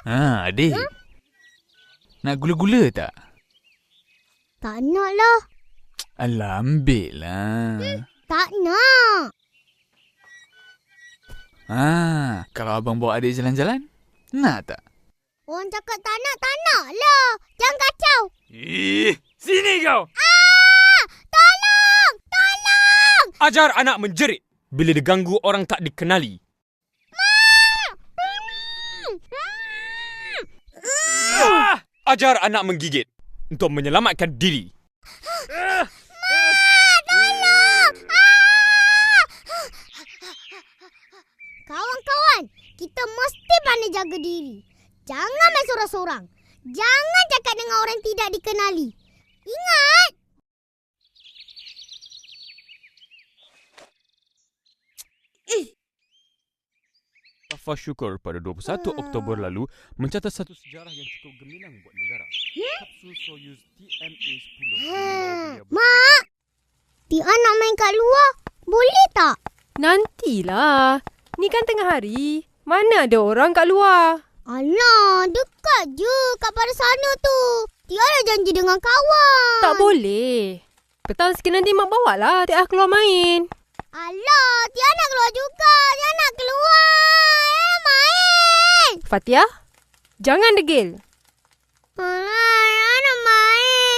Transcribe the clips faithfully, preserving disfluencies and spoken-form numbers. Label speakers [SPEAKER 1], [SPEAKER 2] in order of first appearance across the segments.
[SPEAKER 1] Ha, adik. Huh? Nak gula-gula tak?
[SPEAKER 2] Tak nak lah.
[SPEAKER 1] Alah, ambil lah.
[SPEAKER 2] Hmm, tak nak.
[SPEAKER 1] Ha, kalau abang bawa adik jalan-jalan, nak tak?
[SPEAKER 2] Orang cakap tak nak, tak nak lah. Jangan kacau.
[SPEAKER 3] Ih, sini kau.
[SPEAKER 2] Ah! Tolong! Tolong!
[SPEAKER 3] Ajar anak menjerit bila diganggu orang tak dikenali. Ah! Ajar anak menggigit untuk menyelamatkan diri.
[SPEAKER 2] Ma! Tolong! Ah! Kawan-kawan, kita mesti pandai jaga diri. Jangan main sorang-sorang. Jangan cakap dengan orang yang tidak dikenali. Ingat!
[SPEAKER 3] Safa Syukur pada dua puluh satu Oktober lalu mencatat satu sejarah yang cukup gemilang buat negara. Kapsul Soyuz T M A sepuluh.
[SPEAKER 2] Mak! Tia nak main kat luar. Boleh tak?
[SPEAKER 4] Nantilah. Ni kan tengah hari. Mana ada orang kat luar?
[SPEAKER 2] Alah, dekat je kat pada sana tu. Tia dah janji dengan kawan.
[SPEAKER 4] Tak boleh. Petang sikit nanti mak bawa lah Tia keluar main.
[SPEAKER 2] Alah, Tia nak keluar juga. Tia nak keluar. Eh, main.
[SPEAKER 4] Fatia, jangan degil.
[SPEAKER 2] Alah, Tia nak main.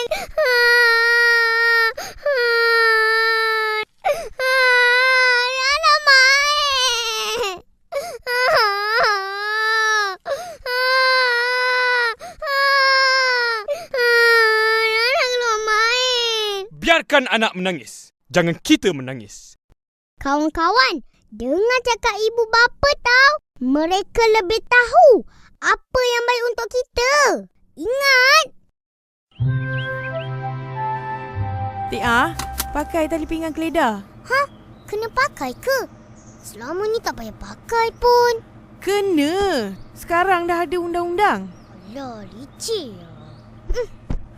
[SPEAKER 2] Tia nak main. Tia nak keluar main.
[SPEAKER 3] Biarkan anak menangis. Jangan kita menangis.
[SPEAKER 2] Kawan-kawan, dengar cakap ibu bapa tahu. Mereka lebih tahu apa yang baik untuk kita. Ingat.
[SPEAKER 5] Tia, pakai tali pinggang keledar.
[SPEAKER 2] Ha? Kena pakai ke? Selama ni tak payah pakai pun.
[SPEAKER 5] Kena. Sekarang dah ada undang-undang.
[SPEAKER 2] Alah, licik. Hmm.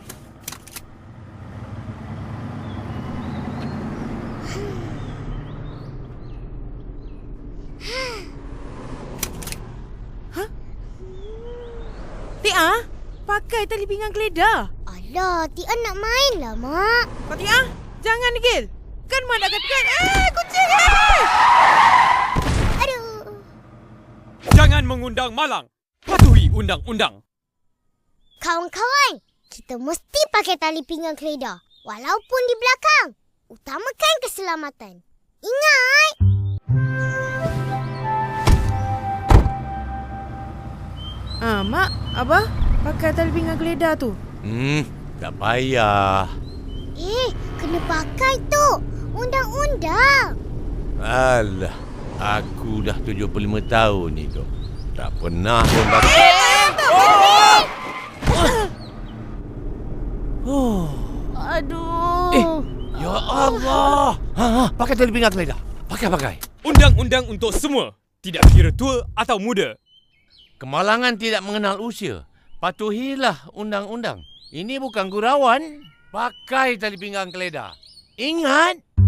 [SPEAKER 5] Tia, pakai tali pinggang keledar.
[SPEAKER 2] Alah, Tia nak main lah, Mak.
[SPEAKER 5] Kau Tia, jangan degil. Kan Mak dah katakan. Eh, kucing eh!
[SPEAKER 2] Aduh.
[SPEAKER 3] Jangan mengundang malang. Patuhi undang-undang.
[SPEAKER 2] Kawan-kawan, kita mesti pakai tali pinggang keledar. Walaupun di belakang. Utamakan keselamatan. Ingat.
[SPEAKER 5] Ah, Mak, Abah, pakai tali pinggang keledar tu.
[SPEAKER 6] Hmm, tak payah.
[SPEAKER 2] Eh, kena pakai tu. Undang-undang.
[SPEAKER 6] Alah, aku dah tujuh puluh lima tahun ni tu. Tak pernah pun pakai. Oh.
[SPEAKER 5] Aduh.
[SPEAKER 6] Eh, ya Allah. Ha, ha, pakai tali pinggang keledar. Pakai, pakai.
[SPEAKER 3] Undang-undang untuk semua. Tidak kira tua atau muda.
[SPEAKER 6] Kemalangan tidak mengenal usia. Patuhilah undang-undang. Ini bukan gurauan. Pakai tali pinggang keledar. Ingat.